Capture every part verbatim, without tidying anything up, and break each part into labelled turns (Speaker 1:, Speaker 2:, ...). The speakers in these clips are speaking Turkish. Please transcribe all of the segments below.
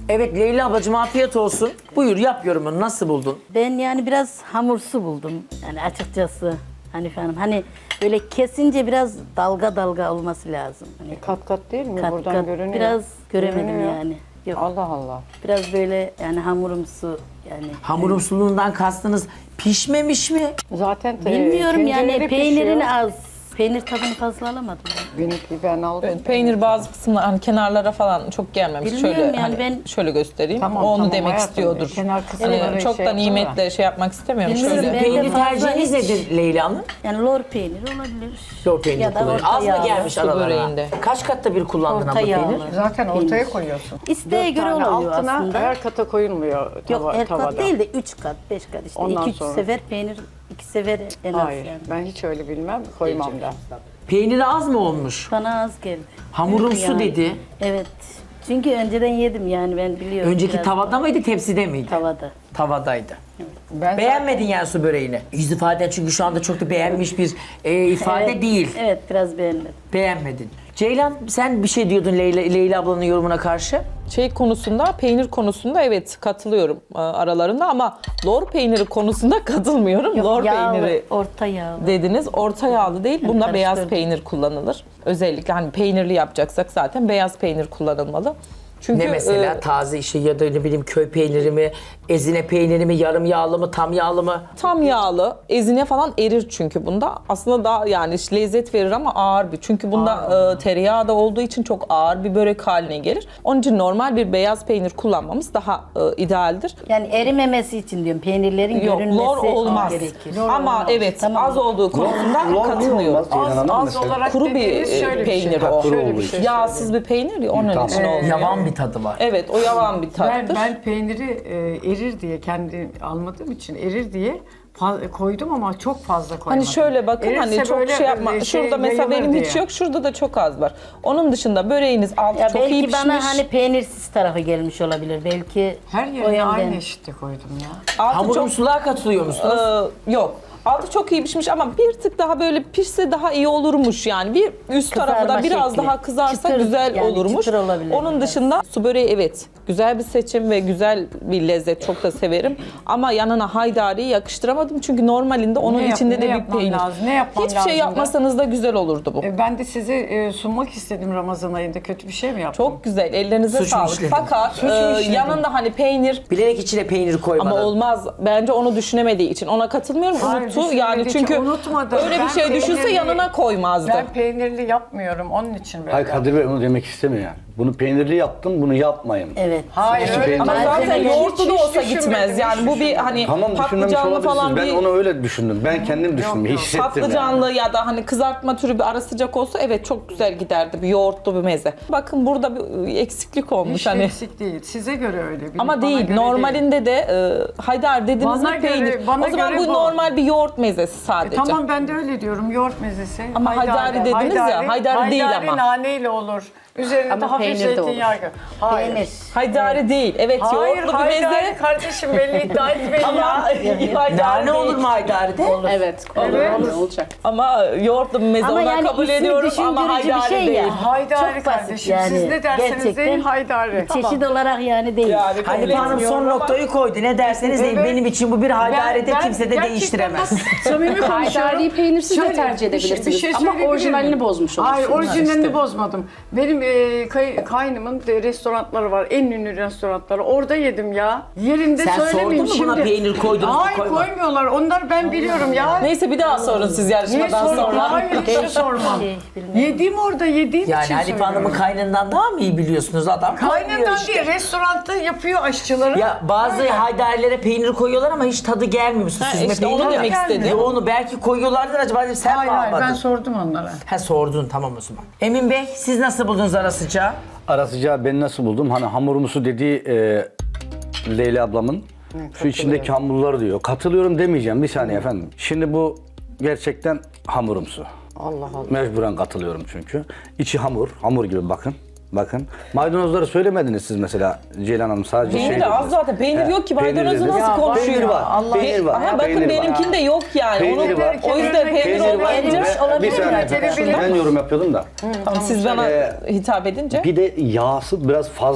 Speaker 1: Evet Leyla ablacığım afiyet olsun. Buyur yap yorumunu, nasıl buldun?
Speaker 2: Ben yani biraz hamursu buldum. Yani açıkçası Hanife Hanım. Hani böyle kesince biraz dalga dalga olması lazım. Hani
Speaker 3: Kat kat değil mi?
Speaker 2: kat
Speaker 3: Buradan
Speaker 2: kat
Speaker 3: görünüyor.
Speaker 2: biraz göremedim
Speaker 3: Görünüyor.
Speaker 2: yani. Yok.
Speaker 3: Allah Allah.
Speaker 2: Biraz böyle yani hamurumsu yani.
Speaker 1: Hamurumsuluğundan kastınız pişmemiş mi?
Speaker 3: Zaten e,
Speaker 2: Bilmiyorum yani
Speaker 3: tencerede
Speaker 2: peynirini
Speaker 3: pişiyor.
Speaker 2: az. Peynir tadını fazla alamadım.
Speaker 3: Benimki ben aldım.
Speaker 4: Evet, peynir bazı kısımlar hani kenarlara falan çok gelmemiş.
Speaker 2: Bilmiyorum
Speaker 4: şöyle
Speaker 2: yani
Speaker 4: hani
Speaker 2: ben-
Speaker 4: şöyle göstereyim.
Speaker 3: Tamam,
Speaker 4: o onu
Speaker 3: tamam,
Speaker 4: demek
Speaker 3: hayatım.
Speaker 4: istiyordur.
Speaker 3: Kenar kısımları
Speaker 4: Hani çok
Speaker 3: şey
Speaker 4: da
Speaker 3: yaptı
Speaker 4: nimetle şey yapmak istemiyorum.
Speaker 2: Bilmiyorum,
Speaker 4: Şöyle.
Speaker 2: ben-
Speaker 1: Peynir
Speaker 2: fazla
Speaker 1: tercihiniz
Speaker 2: hiç-
Speaker 1: nedir Leyla Hanım?
Speaker 2: Yani lor peyniri olabilir.
Speaker 1: Lor peynir
Speaker 2: Ya da
Speaker 1: kullanıyor.
Speaker 2: orta
Speaker 1: Az mı
Speaker 2: yağlı.
Speaker 1: gelmiş
Speaker 4: Su
Speaker 1: aralarına?
Speaker 4: böreğinde.
Speaker 1: Kaç katta bir kullandın
Speaker 2: Orta
Speaker 1: abla
Speaker 2: yağlı.
Speaker 1: peynir?
Speaker 3: Zaten ortaya
Speaker 2: Peynir.
Speaker 3: koyuyorsun.
Speaker 2: İsteğe
Speaker 3: Dört
Speaker 2: göre
Speaker 3: tane
Speaker 2: oluyor
Speaker 3: altına
Speaker 2: aslında.
Speaker 3: her kata koyulmuyor
Speaker 2: Yok
Speaker 3: tava,
Speaker 2: her
Speaker 3: tavada.
Speaker 2: kat değil de üç kat, beş kat işte.
Speaker 3: Ondan
Speaker 2: iki üç
Speaker 3: sonra.
Speaker 2: sefer peynir, iki sefer en az
Speaker 3: Hayır,
Speaker 2: yani.
Speaker 3: ben hiç öyle bilmem, koymam da.
Speaker 1: Peyniri az mı olmuş?
Speaker 2: Bana az geldi.
Speaker 1: Hamurumsu
Speaker 2: Yani.
Speaker 1: dedi.
Speaker 2: Evet. Çünkü önceden yedim yani ben biliyorum.
Speaker 1: Önceki
Speaker 2: biraz
Speaker 1: tavada mıydı tepside miydi?
Speaker 2: Tavada.
Speaker 1: Tavadaydı.
Speaker 3: Ben
Speaker 1: Beğenmedin yani su böreğini. Yüz ifaden çünkü şu anda çok da beğenmiş bir e, ifade
Speaker 2: Evet,
Speaker 1: değil.
Speaker 2: Evet biraz beğenmedim.
Speaker 1: Beğenmedin. Ceylan sen bir şey diyordun Leyla, Leyla ablanın yorumuna karşı.
Speaker 4: Şey konusunda, peynir konusunda evet katılıyorum e, aralarında ama lor peyniri konusunda katılmıyorum.
Speaker 2: Yok,
Speaker 4: lor
Speaker 2: yağlı,
Speaker 4: peyniri
Speaker 2: orta yağlı.
Speaker 4: dediniz. Orta yağlı değil. Bunda
Speaker 2: karıştırdım.
Speaker 4: beyaz peynir kullanılır. Özellikle hani peynirli yapacaksak zaten beyaz peynir kullanılmalı. Çünkü
Speaker 1: Ne mesela
Speaker 4: e,
Speaker 1: taze işi ya da ne bileyim köy peyniri mi, ezine peyniri mi, yarım yağlı mı, tam yağlı mı?
Speaker 4: tam yağlı, ezine falan erir çünkü bunda. Aslında daha yani işte lezzet verir ama ağır bir. Çünkü bunda e, tereyağı da olduğu için çok ağır bir börek haline gelir. Onun için normal bir beyaz peynir kullanmamız daha e, idealdir.
Speaker 2: Yani erimemesi için diyorum peynirlerin
Speaker 4: Yok,
Speaker 2: görünmesi
Speaker 4: lor olmaz.
Speaker 2: gerekir.
Speaker 4: Ama evet,
Speaker 2: Tamam.
Speaker 4: az olduğu konusunda
Speaker 5: Lor niye
Speaker 4: katılıyorum.
Speaker 5: olmaz Ceylan
Speaker 3: az,
Speaker 5: Hanım
Speaker 3: az
Speaker 5: mesela?
Speaker 3: olarak
Speaker 4: Kuru bir
Speaker 3: dediğiniz
Speaker 4: e,
Speaker 3: şöyle bir
Speaker 4: peynir
Speaker 3: şey.
Speaker 4: o.
Speaker 5: Kuru
Speaker 3: Şöyle bir
Speaker 5: olduğu
Speaker 3: şey
Speaker 5: için.
Speaker 4: Yağsız bir peynir ya onun
Speaker 5: Tamam.
Speaker 4: için olmuyor.
Speaker 1: Yavan bir tadı var.
Speaker 4: Evet, o yavan bir
Speaker 3: Ben,
Speaker 4: tattır.
Speaker 3: ben peyniri e, erir diye, kendi almadığım için erir diye fa- koydum ama çok fazla koymadım.
Speaker 4: Hani şöyle bakın
Speaker 3: Erirse
Speaker 4: hani çok
Speaker 3: böyle,
Speaker 4: şey yapma.
Speaker 3: e, şey
Speaker 4: Şurada mesela
Speaker 3: yayılır
Speaker 4: benim hiç
Speaker 3: diye.
Speaker 4: yok. Şurada da çok az var. Onun dışında böreğiniz altı
Speaker 2: Ya
Speaker 4: çok iyi
Speaker 2: belki
Speaker 4: pişmiş.
Speaker 2: bana hani peynirsiz tarafı gelmiş olabilir. Belki
Speaker 3: Her
Speaker 2: o
Speaker 3: yerine
Speaker 2: yönden.
Speaker 3: aynı eşitte koydum ya.
Speaker 4: altı çok
Speaker 1: Hamurumsuluğa katılıyor musunuz?
Speaker 4: Ee, yok. Altı çok iyi pişmiş ama bir tık daha böyle pişse daha iyi olurmuş yani. Bir üst
Speaker 2: Kızarma
Speaker 4: tarafı da biraz
Speaker 2: şekli.
Speaker 4: daha kızarsa
Speaker 2: Çıtır,
Speaker 4: güzel
Speaker 2: yani
Speaker 4: olurmuş.
Speaker 2: çıtır olabilir
Speaker 4: Onun
Speaker 2: biraz.
Speaker 4: dışında su böreği evet güzel bir seçim ve güzel bir lezzet, çok da severim. Ama yanına haydariyi yakıştıramadım çünkü normalinde onun
Speaker 3: Ne yap-
Speaker 4: içinde
Speaker 3: ne
Speaker 4: de bir
Speaker 3: yapmam
Speaker 4: peynir.
Speaker 3: lazım, ne yapmam
Speaker 4: Hiçbir şey
Speaker 3: lazım da?
Speaker 4: yapmasanız da güzel olurdu bu.
Speaker 3: E, ben de size e, sunmak istedim Ramazan ayında. Kötü bir şey mi yaptım?
Speaker 4: Çok güzel, ellerinize
Speaker 1: Suç mu
Speaker 4: sağlık.
Speaker 1: işledin?
Speaker 4: Fakat
Speaker 3: Suç mu
Speaker 4: e,
Speaker 3: işledin?
Speaker 4: yanında hani peynir
Speaker 1: Bilerek içine peynir koymadın.
Speaker 4: ama olmaz. Bence onu düşünemediği için ona katılmıyorum.
Speaker 3: Hayır,
Speaker 4: Unuttu.
Speaker 3: düşünmediği
Speaker 4: Yani
Speaker 3: için
Speaker 4: çünkü
Speaker 3: unutmadım.
Speaker 4: öyle bir
Speaker 3: Ben
Speaker 4: şey düşünse
Speaker 3: peynirli-
Speaker 4: yanına koymazdı.
Speaker 3: Ben peynirli yapmıyorum onun için böyle.
Speaker 5: Hayır Kadir Bey onu demek istemiyor yani. Bunu peynirli yaptım, bunu yapmayın.
Speaker 2: Evet.
Speaker 3: Hayır
Speaker 5: Hiç
Speaker 3: öyle
Speaker 5: peynir-
Speaker 4: Ama
Speaker 5: Ben
Speaker 4: zaten
Speaker 2: seni
Speaker 4: yoğurtlu
Speaker 3: hiç-
Speaker 4: da
Speaker 3: hiç
Speaker 4: olsa
Speaker 3: düşünmedim,
Speaker 4: gitmez.
Speaker 3: hiç
Speaker 4: Yani bu bir
Speaker 3: düşünmedim.
Speaker 4: hani
Speaker 5: Tamam düşünmemiş
Speaker 4: patlıcanlı falan
Speaker 5: olabilirsiniz. Ben
Speaker 4: bir
Speaker 5: onu öyle düşündüm. Ben kendim düşündüm,
Speaker 3: yok.
Speaker 5: hissettim
Speaker 4: patlıcanlı
Speaker 5: yani.
Speaker 4: ya da hani kızartma türü bir ara sıcak olsa evet çok güzel giderdi. Bir yoğurtlu bir meze. Bakın burada bir eksiklik olmuş
Speaker 3: Hiç
Speaker 4: hani.
Speaker 3: eksik değil. Size göre öyle. Benim-
Speaker 4: Ama
Speaker 3: bana
Speaker 4: değil.
Speaker 3: göre
Speaker 4: Normalinde de e, haydar dediniz
Speaker 3: Bana
Speaker 4: mi peynir.
Speaker 3: göre- bana
Speaker 4: o zaman
Speaker 3: göre
Speaker 4: bu
Speaker 3: bu.
Speaker 4: normal bir yoğurt mezesi sadece.
Speaker 3: E, tamam ben de öyle diyorum. Yoğurt mezesi.
Speaker 4: Ama haydari dediniz ya, haydari değil ama.
Speaker 3: naneyle olur. Üzerine
Speaker 2: Ama
Speaker 3: de hafif
Speaker 2: peynir de olur.
Speaker 3: zeytinyağı. Hayır.
Speaker 2: Peynir.
Speaker 4: Haydari değil. Evet
Speaker 3: Hayır,
Speaker 4: yoğurtlu bir
Speaker 3: haydari
Speaker 4: meze.
Speaker 3: kardeşim belli iddia etmeyin
Speaker 4: Ama
Speaker 3: ya.
Speaker 4: haydari
Speaker 1: Nane
Speaker 4: değil.
Speaker 1: olur mu haydaride?
Speaker 6: Evet, olur,
Speaker 3: Evet.
Speaker 6: olur, olacak.
Speaker 4: Ama yoğurtlu bir meze
Speaker 2: Ama
Speaker 4: ona
Speaker 2: yani
Speaker 4: kabul
Speaker 2: ismi
Speaker 4: ediyorum ama
Speaker 2: düşündürücü bir
Speaker 4: haydari
Speaker 2: şey
Speaker 4: değil.
Speaker 2: ya.
Speaker 3: Haydari
Speaker 2: Çok basit
Speaker 3: kardeşim.
Speaker 2: yani.
Speaker 3: Siz ne derseniz
Speaker 2: Gerçekten
Speaker 3: deyin haydari.
Speaker 2: Çeşit olarak yani değil.
Speaker 4: Yani kabul
Speaker 1: Hanife Hanım
Speaker 4: etmiyorum
Speaker 1: son
Speaker 4: ama-
Speaker 1: noktayı koydu. Ne derseniz deyin.
Speaker 3: Evet.
Speaker 1: Benim için bu bir haydarede
Speaker 3: Ben- ben
Speaker 1: kimse de
Speaker 3: gerçekten
Speaker 1: değiştiremez.
Speaker 3: bak, Samimi konuşuyorum.
Speaker 6: Haydariyi peynirsiz de
Speaker 3: Şöyle,
Speaker 6: tercih
Speaker 3: bir şey-
Speaker 6: edebilirsiniz.
Speaker 3: bir şey
Speaker 6: Ama
Speaker 3: söyleyebilir
Speaker 6: orijinalini
Speaker 3: miyim?
Speaker 6: bozmuş
Speaker 3: Hayır
Speaker 6: olursunuz.
Speaker 3: orijinalini
Speaker 4: işte.
Speaker 3: bozmadım. Benim e, kay, kaynımın de restoranları var. En ünlü restoranları. Orada yedim ya. Yerinde
Speaker 1: Sen
Speaker 3: söylemeyeyim
Speaker 1: sordun mu buna
Speaker 3: şimdi.
Speaker 1: peynir koydunuz mu,
Speaker 3: Hayır
Speaker 1: koymadınız?
Speaker 3: koymuyorlar. Onları ben biliyorum ya.
Speaker 4: Neyse bir daha sorun siz
Speaker 3: Niye
Speaker 4: yarışmadan
Speaker 3: sorma?
Speaker 4: sonra.
Speaker 3: Hayır hiç sormam.
Speaker 2: Şey, bilmiyorum.
Speaker 3: Yediğim orada yediğim
Speaker 1: Yani
Speaker 3: için
Speaker 1: Hanife Hanım'ın
Speaker 3: söylüyorum.
Speaker 1: kaynından daha mı iyi biliyorsunuz? Adam koymuyor
Speaker 3: Kaynından
Speaker 1: işte.
Speaker 3: değil, restoranda yapıyor aşçıları.
Speaker 1: Ya bazı
Speaker 3: Öyle.
Speaker 1: haydarilere peynir koyuyorlar ama hiç tadı gelmiyor.
Speaker 4: Ha,
Speaker 1: Süzme
Speaker 4: işte
Speaker 1: peynir
Speaker 4: onu
Speaker 1: ya.
Speaker 4: demek istedim.
Speaker 1: Yoğunu belki koyuyorlardır acaba dedim, sen
Speaker 3: Hayır
Speaker 1: mi
Speaker 3: hayır
Speaker 1: almadın?
Speaker 3: ben sordum onlara.
Speaker 1: Ha sordun tamam o zaman. Emin Bey siz nasıl buldunuz ara sıcağı?
Speaker 5: Ara sıcağı ben nasıl buldum? Hani hamurumusu dediği e, Leyla ablamın şu içindeki hamurları diyor. Katılıyorum demeyeceğim bir saniye efendim. Şimdi bu gerçekten hamurumsu.
Speaker 3: Allah Allah.
Speaker 5: Mecburen katılıyorum çünkü. İçi hamur, hamur gibi bakın. Bakın. Maydanozları söylemediniz siz mesela Ceylan Hanım sadece
Speaker 4: Peynir
Speaker 5: şey
Speaker 4: de az
Speaker 5: dediniz.
Speaker 4: zaten. Peynir
Speaker 5: He,
Speaker 4: yok ki.
Speaker 5: peynir
Speaker 4: Maydanozu
Speaker 5: dediniz.
Speaker 4: nasıl
Speaker 3: Ya,
Speaker 4: konuşuyor?
Speaker 5: Peynir var.
Speaker 3: Allah
Speaker 5: Peynir var.
Speaker 4: Aha bakın
Speaker 5: peynir var.
Speaker 4: benimkinde yok yani.
Speaker 5: Peynir
Speaker 4: Onu,
Speaker 5: var.
Speaker 4: o yüzden peynir,
Speaker 5: Peynir var.
Speaker 4: olmayınca.
Speaker 5: Ve-
Speaker 2: olabilir
Speaker 5: bir saniye
Speaker 2: mi?
Speaker 5: efendim.
Speaker 3: Gelebilir.
Speaker 5: Ben yorum yapıyordum da.
Speaker 4: Tamam, siz bana
Speaker 5: Ee,
Speaker 4: hitap edince.
Speaker 5: Bir de yağsı biraz fazla.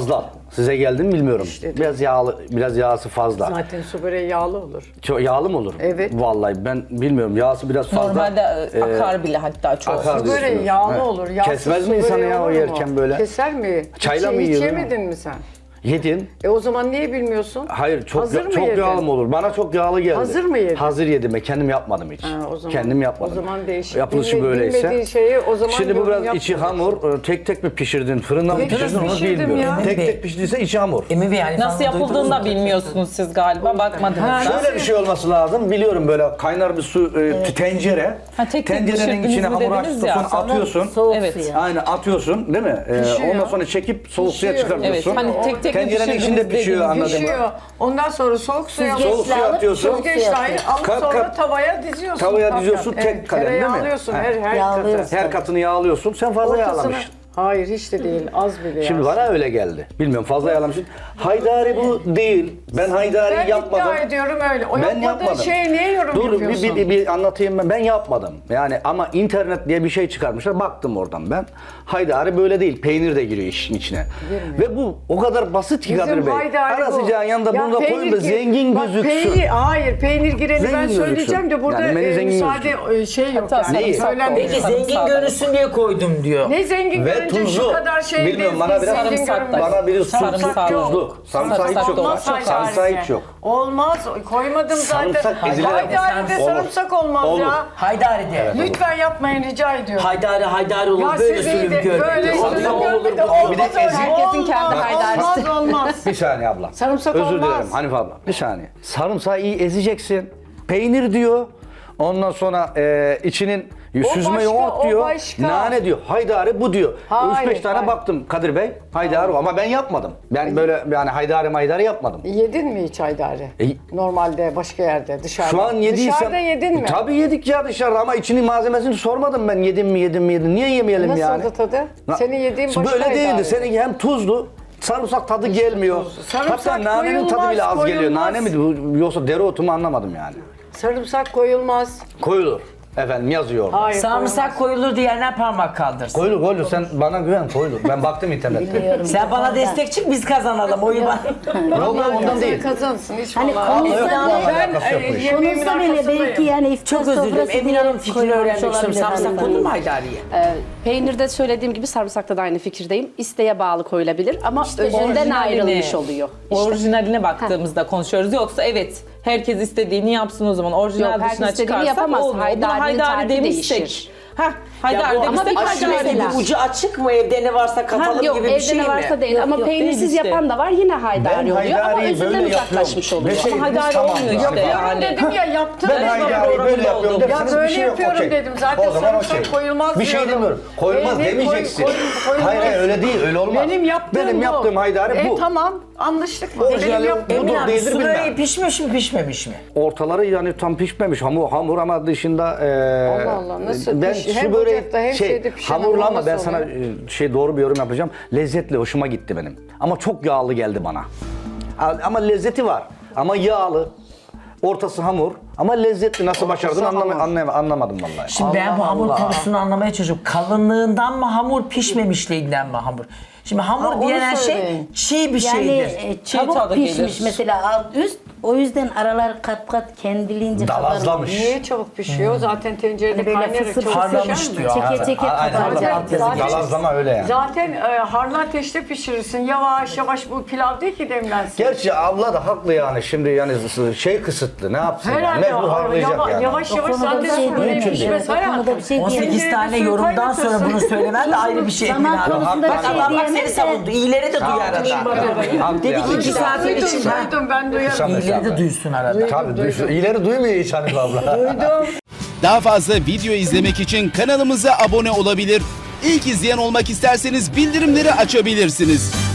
Speaker 5: Size geldi mi bilmiyorum. Biraz yağlı, biraz yağsı fazla.
Speaker 3: Zaten su böreği yağlı olur.
Speaker 5: Çok yağlı mı olur?
Speaker 3: Evet.
Speaker 5: Vallahi ben bilmiyorum. Yağsı biraz fazla.
Speaker 4: Normalde e,
Speaker 5: Ee,
Speaker 4: akar bile hatta çok.
Speaker 5: akar
Speaker 3: Su böreği
Speaker 5: diyorsunuz.
Speaker 3: yağlı
Speaker 5: He.
Speaker 3: olur. Yağsız
Speaker 5: Kesmez
Speaker 3: su
Speaker 5: mi insanı
Speaker 3: böreği
Speaker 5: ya o
Speaker 3: olur mu?
Speaker 5: yerken böyle?
Speaker 3: Keser mi?
Speaker 5: Çayla
Speaker 3: hiç,
Speaker 5: mı
Speaker 3: hiç
Speaker 5: yiyordun?
Speaker 3: yemedin mi sen?
Speaker 5: Yedim.
Speaker 3: E o zaman niye bilmiyorsun?
Speaker 5: Hayır çok
Speaker 3: Hazır
Speaker 5: ya-
Speaker 3: mı
Speaker 5: çok
Speaker 3: yedin?
Speaker 5: yağlı mı olur? Bana çok yağlı geldi.
Speaker 3: Hazır mı yedin?
Speaker 5: Hazır yedim. Ben kendim yapmadım hiç.
Speaker 3: Ha, o zaman,
Speaker 5: kendim yapmadım.
Speaker 3: O zaman değişik.
Speaker 5: Yapılışı
Speaker 3: Bilme-
Speaker 5: böyleyse.
Speaker 3: Bilmediğin şeyi o zaman
Speaker 5: Şimdi bu
Speaker 3: yorum
Speaker 5: biraz içi
Speaker 3: yapmayacaksın.
Speaker 5: hamur. e, Tek tek mi pişirdin? Fırında mı
Speaker 3: Tek tek
Speaker 5: pişirdin onu
Speaker 3: pişirdim
Speaker 5: bilmiyorum.
Speaker 3: ya.
Speaker 5: Tek
Speaker 1: Emin
Speaker 5: tek
Speaker 1: Bey.
Speaker 5: pişirdiyse içi hamur.
Speaker 1: Emin Bey yani
Speaker 4: Nasıl
Speaker 1: falan duydunuz
Speaker 4: yapıldığını da
Speaker 1: mu?
Speaker 4: bilmiyorsunuz siz galiba. Bakmadınız.
Speaker 5: Şöyle bir şey olması lazım. Biliyorum böyle kaynar bir su e, tencere.
Speaker 4: Ha, tek tek
Speaker 5: Tencerenin
Speaker 4: pişirdiniz
Speaker 5: içine
Speaker 4: mi
Speaker 5: hamur
Speaker 4: dediniz ya.
Speaker 5: açıyorsun, atıyorsun.
Speaker 2: Soğuk
Speaker 4: Evet.
Speaker 2: suya.
Speaker 5: Aynen atıyorsun değil mi? Ee,
Speaker 3: Pişiyor.
Speaker 5: ondan sonra çekip soğuk suya
Speaker 3: Pişiyor.
Speaker 5: çıkartıyorsun.
Speaker 4: Evet. Hani tek tek mi
Speaker 5: Tencerenin
Speaker 4: pişirdiniz
Speaker 5: içinde pişiyor,
Speaker 4: dediğiniz
Speaker 5: anladım.
Speaker 3: Pişiyor. Ondan sonra soğuk suya
Speaker 2: Süzgeçle
Speaker 5: Soğuk suya
Speaker 2: alıp
Speaker 5: atıyorsun.
Speaker 2: soğuk suya
Speaker 3: Süzgeçle
Speaker 2: atıyorsun.
Speaker 3: alıp
Speaker 5: Kat
Speaker 3: sonra
Speaker 5: kat
Speaker 3: tavaya diziyorsun.
Speaker 5: tavaya
Speaker 3: Kat
Speaker 5: diziyorsun,
Speaker 3: kat.
Speaker 5: tek
Speaker 3: Evet,
Speaker 5: kalem değil mi?
Speaker 3: tereyağı alıyorsun
Speaker 5: Ha.
Speaker 3: her, her
Speaker 2: Yağlıyorsun.
Speaker 3: katı.
Speaker 5: Her katını yağlıyorsun. Sen fazla
Speaker 3: Ortasını-
Speaker 5: yağlamışsın.
Speaker 3: Hayır hiç de değil az bile
Speaker 5: Şimdi
Speaker 3: yağsın.
Speaker 5: bana öyle geldi. Bilmiyorum fazla yağlamışsın. Haydari bu değil. Ben haydari
Speaker 3: Ben
Speaker 5: yapmadım.
Speaker 3: iddia ediyorum öyle. O
Speaker 5: Ben
Speaker 3: yapmadığın
Speaker 5: yapmadım.
Speaker 3: şeye niye yorum
Speaker 5: Dur bir,
Speaker 3: yapıyorsun?
Speaker 5: bir, bir, bir anlatayım ben. Ben yapmadım. Yani ama internet diye bir şey çıkarmışlar. Baktım oradan ben. Haydari böyle değil. Peynir de giriyor işin içine. Ve bu o kadar basit ki Kadir Bey.
Speaker 3: haydari
Speaker 5: Ara
Speaker 3: bu.
Speaker 5: sıcağın yanında
Speaker 3: Ya
Speaker 5: bunu da koyun
Speaker 3: peynir
Speaker 5: da
Speaker 3: gir-
Speaker 5: zengin
Speaker 3: Bak,
Speaker 5: gözüksün.
Speaker 3: Peynir, hayır peynir gireni
Speaker 5: Zengin
Speaker 3: ben söyleyeceğim
Speaker 5: gözüksün.
Speaker 3: de burada
Speaker 5: Yani beni
Speaker 3: e,
Speaker 5: zengin
Speaker 3: müsaade
Speaker 5: gözüksün.
Speaker 3: e, şey yok.
Speaker 4: Hatta
Speaker 3: yani.
Speaker 5: Neyi?
Speaker 3: Söylenmiyor.
Speaker 1: Peki zengin görünsün diye koydum diyor.
Speaker 3: Ne zengin
Speaker 5: Ve
Speaker 3: görünce
Speaker 5: tuzlu.
Speaker 3: şu kadar şey
Speaker 5: Bilmiyorum,
Speaker 3: değil,
Speaker 5: bana biraz
Speaker 3: zengin
Speaker 4: sarımsak da-
Speaker 3: görünmez.
Speaker 5: Bana biri
Speaker 4: Sarımsak yok.
Speaker 5: tuzlu. Sarımsak
Speaker 4: Sarımsak
Speaker 5: hiç yok.
Speaker 4: da
Speaker 3: Olmaz
Speaker 4: Çok
Speaker 3: haydariye.
Speaker 5: Sarımsak hiç yok.
Speaker 3: Olmaz. Koymadım zaten.
Speaker 5: Sarımsak ezilir.
Speaker 3: Haydaride
Speaker 5: Olur.
Speaker 3: sarımsak olmaz
Speaker 5: Olur.
Speaker 3: ya.
Speaker 1: Haydari'de.
Speaker 3: Lütfen yapmayın rica ediyorum.
Speaker 1: Haydari haydari olur.
Speaker 3: Ya
Speaker 1: böyle
Speaker 3: siz iyi
Speaker 1: sürüm
Speaker 3: de
Speaker 1: görmedi.
Speaker 3: böyle
Speaker 1: Olur,
Speaker 3: sürüm
Speaker 1: olur,
Speaker 3: görmedi.
Speaker 1: olur.
Speaker 5: Bir de
Speaker 3: Olmaz öyle.
Speaker 5: ezik.
Speaker 3: Herkesin kendi
Speaker 4: Olmaz,
Speaker 3: haydarisi. Olmaz olmaz.
Speaker 5: Bir saniye abla.
Speaker 3: Sarımsak
Speaker 5: Özür
Speaker 3: olmaz.
Speaker 5: dilerim Hanife abla. Bir saniye. Sarımsağı iyi ezeceksin. Peynir diyor. Ondan sonra e, içinin süzme
Speaker 3: başka,
Speaker 5: yoğurt
Speaker 3: o
Speaker 5: diyor.
Speaker 3: başka.
Speaker 5: Nane diyor. Haydari bu diyor.
Speaker 3: Hayır,
Speaker 5: üç beş tane
Speaker 3: hayır.
Speaker 5: baktım Kadir Bey. Haydari ama ben yapmadım. Ben böyle yani haydari maydari yapmadım.
Speaker 3: Yedin mi hiç haydari?
Speaker 5: E,
Speaker 3: Normalde başka yerde dışarıda.
Speaker 5: Şu an yediysem...
Speaker 3: Dışarıda yedin mi?
Speaker 5: Tabii yedik ya dışarıda ama içinin malzemesini sormadım ben yedim mi yedim mi yedim. Niye yemeyelim
Speaker 3: Nasıldı
Speaker 5: yani?
Speaker 3: tadı?
Speaker 5: Na-
Speaker 3: Senin yediğin başka
Speaker 5: Böyle değildi.
Speaker 3: haydari.
Speaker 5: Seninki hem tuzlu, sarımsak tadı gelmiyor.
Speaker 3: Sarımsak
Speaker 5: Hatta nanenin tadı
Speaker 3: koyulmaz,
Speaker 5: bile az geliyor.
Speaker 3: koyulmaz.
Speaker 5: Nane mi bu, yoksa dereotu mu anlamadım yani.
Speaker 3: Sarımsak koyulmaz.
Speaker 5: Koyulur. Efendim yazıyor orada.
Speaker 3: Hayır
Speaker 1: Sarımsak koyulur diyenler parmak kaldırsın.
Speaker 5: Koyulur koyulur. Sen bana güven koyulur. Ben baktım internette.
Speaker 2: Biliyorum.
Speaker 1: Sen bana destek çık biz kazanalım oyu bana.
Speaker 5: Yok yok ondan değil.
Speaker 3: Kazansın hiç
Speaker 2: Hani
Speaker 3: vallahi.
Speaker 2: konuşsa
Speaker 5: Yok,
Speaker 2: bile,
Speaker 3: Ben
Speaker 5: alakası yok bu
Speaker 3: e,
Speaker 5: iş.
Speaker 3: yemeğimin
Speaker 2: konuşsa bile
Speaker 3: arkasındayım.
Speaker 2: belki yani iftar
Speaker 1: Çok özür dilerim.
Speaker 2: sofrası
Speaker 1: Emin
Speaker 2: bile
Speaker 1: Hanım fikrini
Speaker 2: koymamış
Speaker 1: öğrenmek istiyorum.
Speaker 2: olabilir
Speaker 1: Sarımsak
Speaker 2: hanımefendi.
Speaker 1: konulur mu Haydari'ye?
Speaker 6: Ee, peynirde söylediğim gibi sarımsakta da aynı fikirdeyim. İsteğe bağlı koyulabilir ama özünden
Speaker 4: Orijinaline-
Speaker 6: ayrılmış oluyor.
Speaker 4: Orijinaline baktığımızda konuşuyoruz. Yoksa evet herkes istediğini yapsın o zaman. Orijinal
Speaker 6: Yok, herkes
Speaker 4: dışına
Speaker 6: istediğini
Speaker 4: çıkarsak
Speaker 6: yapamaz.
Speaker 4: olmuyor. Buna
Speaker 6: Haydarinin
Speaker 4: haydari
Speaker 6: tarifi
Speaker 4: demişsek.
Speaker 6: değişir.
Speaker 4: Heh, haydari
Speaker 1: Ya bu
Speaker 4: demişsek
Speaker 6: ama bir
Speaker 1: aşure
Speaker 4: haydari.
Speaker 6: mesela-
Speaker 1: gibi ucu açık mı evde ne varsa katalım
Speaker 6: Yok
Speaker 1: gibi bir
Speaker 6: evde
Speaker 1: şey
Speaker 6: ne
Speaker 1: mi?
Speaker 6: varsa değil
Speaker 2: Yok,
Speaker 6: ama
Speaker 2: yok,
Speaker 6: peynirsiz
Speaker 4: değil işte.
Speaker 6: yapan da var yine haydari oluyor ama özünden uzaklaşmış oluyor.
Speaker 5: Ve şey,
Speaker 4: Ama haydari
Speaker 5: tamam
Speaker 4: olmuyor
Speaker 5: yani.
Speaker 4: işte
Speaker 3: Yapıyorum
Speaker 4: yani.
Speaker 3: dedim ya yaptım.
Speaker 5: Ben
Speaker 3: dedim.
Speaker 5: haydari böyle yapıyorum
Speaker 3: Ya
Speaker 5: derseniz bir
Speaker 3: böyle
Speaker 5: şey yok.
Speaker 3: yapıyorum
Speaker 5: okey.
Speaker 3: dedim. Zaten
Speaker 5: O zaman
Speaker 3: sarımsak
Speaker 5: okey.
Speaker 3: koyulmaz
Speaker 5: Bir şey
Speaker 3: diyordum.
Speaker 5: demiyorum. Koyulmaz
Speaker 3: Peynir koy-
Speaker 5: demeyeceksin.
Speaker 3: koy- koyulmaz.
Speaker 5: Hayır hayır öyle değil öyle olmaz.
Speaker 3: Benim yaptığım
Speaker 5: Benim
Speaker 3: bu.
Speaker 5: yaptığım haydari
Speaker 3: e,
Speaker 5: bu.
Speaker 3: tamam anlaştık mı?
Speaker 5: Orijinali
Speaker 3: Benim yaptığım
Speaker 1: Emin
Speaker 5: budur
Speaker 1: abi
Speaker 5: değildir
Speaker 1: su böreği
Speaker 5: bilmem.
Speaker 1: pişmiş mi pişmemiş mi?
Speaker 5: Ortaları yani tam pişmemiş hamur hamur ama dışında e,
Speaker 3: Allah Allah, nasıl
Speaker 5: ben
Speaker 3: piş-
Speaker 5: şu
Speaker 3: hem
Speaker 5: böreği
Speaker 3: ocakta hem
Speaker 5: şey
Speaker 3: şeyde pişen
Speaker 5: hamurlu ama
Speaker 3: hamur
Speaker 5: ben
Speaker 3: nasıl
Speaker 5: sana
Speaker 3: oluyor?
Speaker 5: e, şey doğru bir yorum yapacağım. Lezzetli hoşuma gitti benim. Ama çok yağlı geldi bana. A- Ama lezzeti var. Ama yağlı. Ortası hamur ama lezzetli nasıl başardın anlama, anlama- anlamadım vallahi.
Speaker 1: Şimdi ben bu Allah hamur Allah.
Speaker 3: konusunu
Speaker 1: konusunu anlamaya çalışıyorum. Kalınlığından mı hamur, pişmemişliğinden mi hamur? Şimdi hamur
Speaker 3: Ha, onu
Speaker 1: denen şey
Speaker 3: söyleyin.
Speaker 1: çiğ bir
Speaker 2: Yani
Speaker 1: şeydir.
Speaker 2: e,
Speaker 4: Çiğ
Speaker 2: çabuk
Speaker 4: tadı
Speaker 2: pişmiş
Speaker 4: gelir.
Speaker 2: mesela alt üst. O yüzden aralar kat kat kendiliğince
Speaker 5: Dalazlamış.
Speaker 3: Niye çabuk pişiyor? Zaten tencerede
Speaker 2: Hani böyle
Speaker 3: kaynayarak
Speaker 2: fısır
Speaker 3: çabuk
Speaker 2: fısır
Speaker 1: Harlamış
Speaker 3: pişer mi?
Speaker 1: diyor.
Speaker 2: Çeke çeke
Speaker 5: Aynen,
Speaker 2: kabaracak.
Speaker 5: aynen.
Speaker 3: Zaten-
Speaker 5: Dalazlama öyle yani.
Speaker 3: Zaten e, harlı ateşte pişirirsin. Yavaş yavaş bu pilav değil ki demlensin.
Speaker 5: Gerçi abla da haklı yani şimdi yani şey kısıtlı ne yapsın yani
Speaker 3: Herhalde
Speaker 5: mecbur
Speaker 3: o-
Speaker 5: harlayacak
Speaker 3: yava-
Speaker 5: yani.
Speaker 3: yavaş
Speaker 2: O
Speaker 3: yavaş
Speaker 2: konuda
Speaker 3: zaten
Speaker 2: bir şey
Speaker 3: su böreği
Speaker 2: diyemem.
Speaker 3: pişmez
Speaker 2: Evet, o konuda
Speaker 3: hayatım.
Speaker 2: bir şey
Speaker 1: on sekiz
Speaker 3: Tencerede
Speaker 1: tane
Speaker 3: suyu
Speaker 1: yorumdan
Speaker 3: kaynatırsın.
Speaker 1: sonra bunu söylemen de ayrı bir şey.
Speaker 2: Zaman
Speaker 1: Emin abi.
Speaker 2: konusunda
Speaker 1: Bak
Speaker 2: bir şey
Speaker 1: Allah bak seni
Speaker 2: diyemem de-
Speaker 1: savundu. İyileri de duy arada.
Speaker 5: Haklı
Speaker 1: Dedi ki
Speaker 5: yani.
Speaker 1: iki saatin
Speaker 3: Duydum,
Speaker 1: içinde.
Speaker 3: duydum ben duyarım.
Speaker 5: Kısa
Speaker 1: İyileri
Speaker 5: mesafe.
Speaker 1: de duysun arada.
Speaker 5: Tabii duysun. İyileri duymuyor hiç Hanife abla.
Speaker 3: Duydum.
Speaker 7: Daha fazla video izlemek için kanalımıza abone olabilir. İlk izleyen olmak isterseniz bildirimleri açabilirsiniz.